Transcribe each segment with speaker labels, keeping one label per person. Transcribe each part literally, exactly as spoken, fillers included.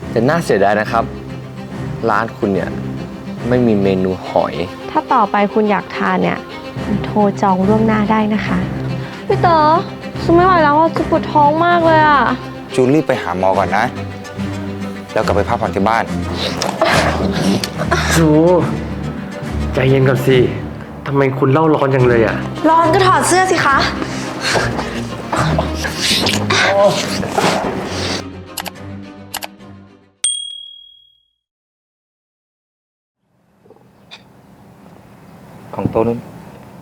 Speaker 1: แต่น่าเสียดายนะครับร้านคุณเนี่ยไม่มีเมนูหอย
Speaker 2: ถ้าต่อไปคุณอยากทานเนี่ยโทรจองล่วงหน้าได้นะคะพี่เต๋อซูไม่ไหวแล้วอ่ะจูปวดท้องมากเลยอ่ะ
Speaker 3: จูรีบไปหาหมอก่อนนะแล้วกลับไปพักผ่อนที่บ้าน
Speaker 4: จูใจเย็นก่อนสิทำไมคุณเล่าร้อนจังเลยอ่ะ
Speaker 2: ร้อนก็ถอดเสื้อสิคะ
Speaker 3: ของโต๊ะนู้น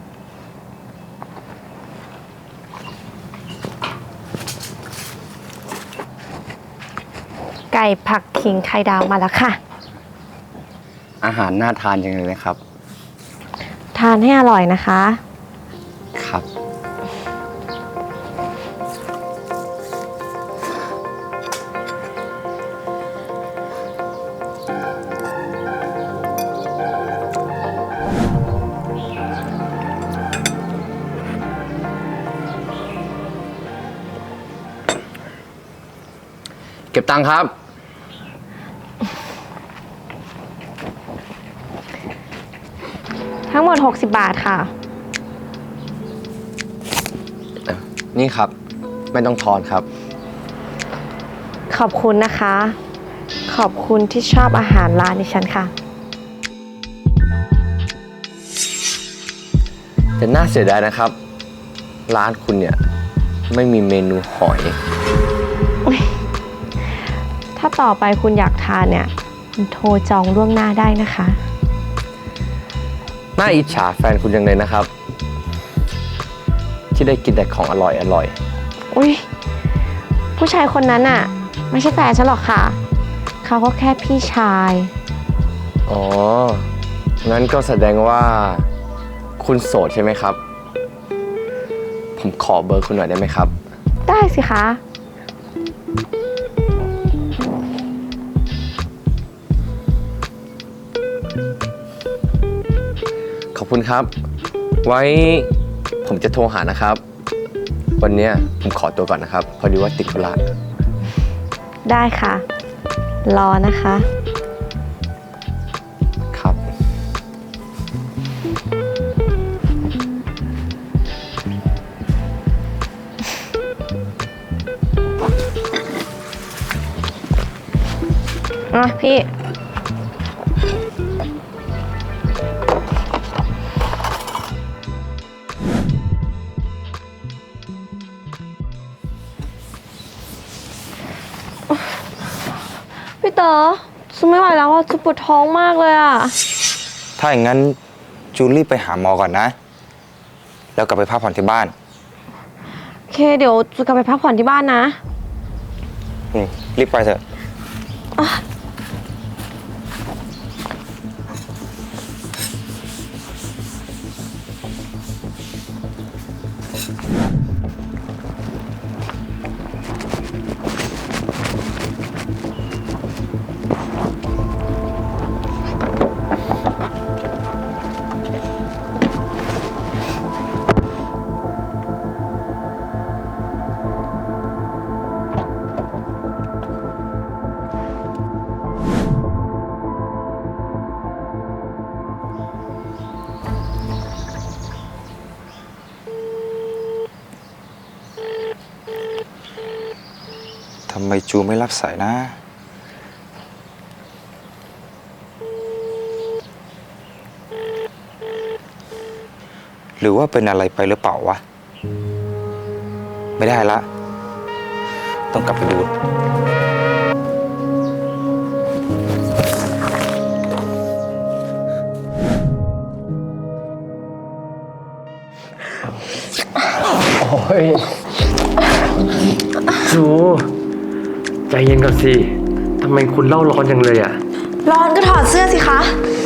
Speaker 2: ไก่ผักขิงไข่ดาวมาแล้วค่ะ
Speaker 1: อาหารน่าทานจังเลยนะครับ
Speaker 2: ทานให้อร่อยนะคะ
Speaker 1: ครับเก็บตังค์ครับ
Speaker 2: ทั้งหมดหกสิบบาทค่ะ
Speaker 1: นี่ครับไม่ต้องทอนครับ
Speaker 2: ขอบคุณนะคะ ขอบคุณที่ชอบอาหารร้านดิฉันค่ะ
Speaker 1: แต่น่าเสียดายนะครับร้านคุณเนี่ยไม่มีเมนูหอย
Speaker 2: ถ้าต่อไปคุณอยากทานเนี่ยโทรจองล่วงหน้าได้นะคะ
Speaker 1: น่าอิจฉาแฟนคุณจังเลยนะครับที่ได้กินแต่ของอร่อยอร่อย
Speaker 2: อุ้ยผู้ชายคนนั้นอ่ะไม่ใช่แฟนฉันหรอกค่ะเขาก็แค่พี่ชาย
Speaker 1: อ๋องั้นก็แสดงว่าคุณโสดใช่ไหมครับผมขอเบอร์คุณหน่อยได้ไหมครับ
Speaker 2: ได้สิคะ
Speaker 1: ขอบคุณครับไว้ผมจะโทรหานะครับวันนี้ผมขอตัวก่อนนะครับพอดีว่าติดธุระ
Speaker 2: ได้ค่ะรอนะคะ
Speaker 1: ครับ
Speaker 2: อ่ะพี่พี่เต๋อซูไม่ไหวแล้วอ่ะจูปวดท้องมากเลยอ่ะ
Speaker 3: ถ้าอย่างนั้นจูรีบไปหาหมอก่อนนะแล้วกลับไปพักผ่อนที่บ้าน
Speaker 2: โอเคเดี๋ยวจูกลับไปพักผ่อนที่บ้านนะ
Speaker 3: อืมรีบไปเถอะทำไมจูไม่รับสายนะหรือว่าเป็นอะไรไปหรือเปล่าวะไม่ได้ละต้องกลับไปดู
Speaker 4: โอ้ยจูใจเย็นก่อนสิทำไมคุณเล่าร้อนจังเลยอ่ะ
Speaker 2: ร้อนก็ถอดเสื้อสิคะ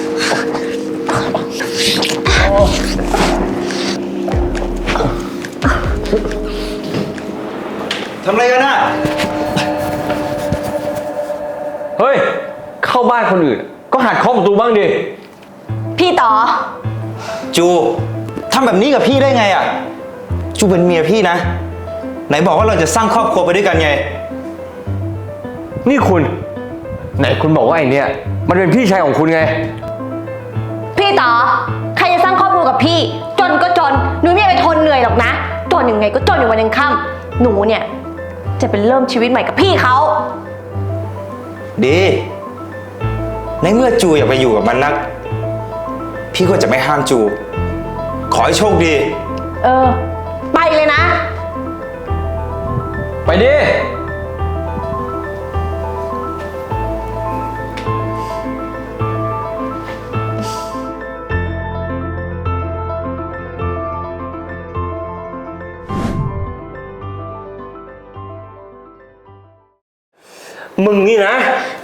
Speaker 3: ทำอะไรกันน่ะ
Speaker 4: เฮ้ยเข้าบ้านคนอื่นก็หัดเคาะประตูบ้างดิ
Speaker 2: พี่ต่อ
Speaker 3: จูทำแบบนี้กับพี่ได้ไงอ่ะจูเป็นเมียพี่นะไหนบอกว่าเราจะสร้างครอบครัวไปด้วยกันไง
Speaker 4: นี่คุณไหนคุณบอกว่าไอเนี่ยมันเป็นพี่ชายของคุณไง
Speaker 2: พี่ต่อใครจะสร้างครอบครัวกับพี่ จนก็จนหนูไม่ไปทนเหนื่อยหรอกนะ จนยังไงก็จนอยู่วันยังค่ำหนูเนี่ยจะเป็นเริ่มชีวิตใหม่กับพี่เขา
Speaker 3: ดี ในเมื่อจูอยากไปอยู่กับมันนัก พี่ก็จะไม่ห้ามจู ขอให้โชคดี
Speaker 2: เออ ไปเลยนะ
Speaker 4: ไปดิ มึงนี่นะ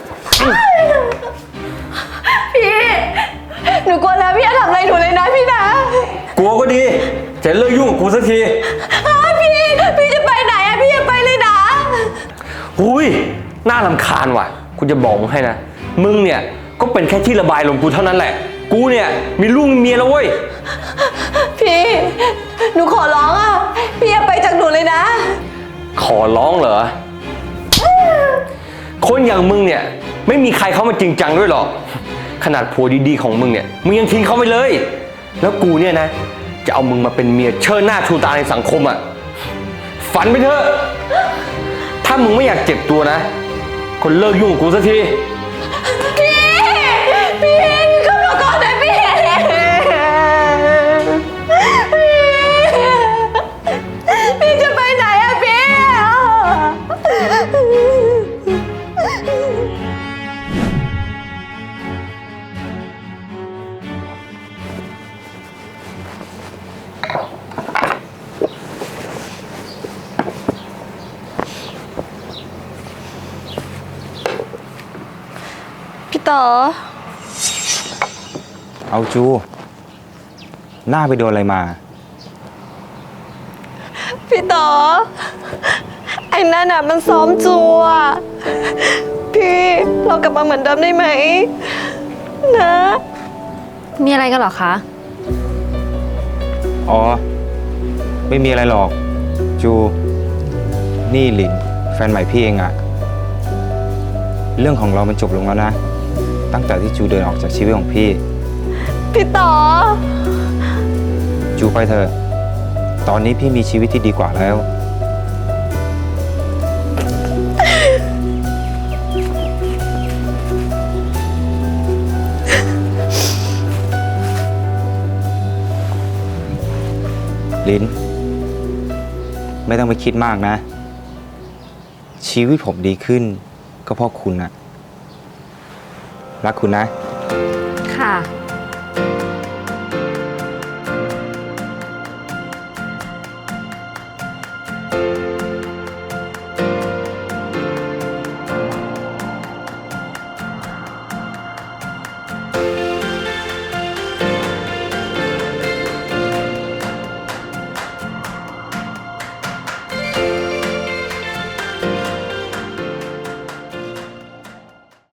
Speaker 2: พี่ หนูกลัวแล้วพี่อย่าทำอะไรหนูเลยนะพี่นะ
Speaker 4: กลัวก็ดี จะเลิกยุ่งกับกูสักที
Speaker 2: อ้าวพี่ พี่จะไปไหนอะพี่อย่าไปเลยนะ
Speaker 4: หุยน่ารำคาญว่ะ คุณจะบอกมึงให้นะ มึงเนี่ยก็เป็นแค่ที่ระบายลมกูเท่านั้นแหละ กูเนี่ยมีลูกมีเมียแล้วเว้ย
Speaker 2: พี่ หนูขอร้องอะพี่อย่าไปจากหนูเลยนะ
Speaker 4: ขอร้องเหรอ คนอย่างมึงเนี่ยไม่มีใครเข้ามาจริงจังด้วยหรอก ขนาดผัวดีๆของมึงเนี่ยมึงยังทิ้งเขาไปเลย แล้วกูเนี่ยนะ จะเอามึงมาเป็นเมียเชิดหน้าชูตาในสังคมอ่ะ ฝันไปเถอะ ถ้ามึงไม่อยากเจ็บตัวนะคนเลิกยุ่งกับกูสักที
Speaker 2: พี่ พี่ขึ้นมาก่อนนะพี่ พี่จะไปไหนอะพี่ พี่ต่อ
Speaker 3: เอาจู หน้าไปโดนอะไรมา
Speaker 2: พี่ต่อ ไอ้นั่นน่ะมันซ้อมจูอะพี่เรากลับมาเหมือนเดิมได้ไหม นะ
Speaker 5: มีอะไรกันเหรอคะ
Speaker 3: อ๋อ ไม่มีอะไรหรอก จู นี่หลินแฟนใหม่พี่เองอะเรื่องของเรามันจบลงแล้วนะ ตั้งแต่ที่จูเดินออกจากชีวิตของพี่
Speaker 2: พี่ต่อ
Speaker 3: จูไปเถอะ ตอนนี้พี่มีชีวิตที่ดีกว่าแล้ว ลิน ไม่ต้องไปคิดมากนะ ชีวิตผมดีขึ้น ก็เพราะคุณนะรักคุณนะ
Speaker 5: ค่ะ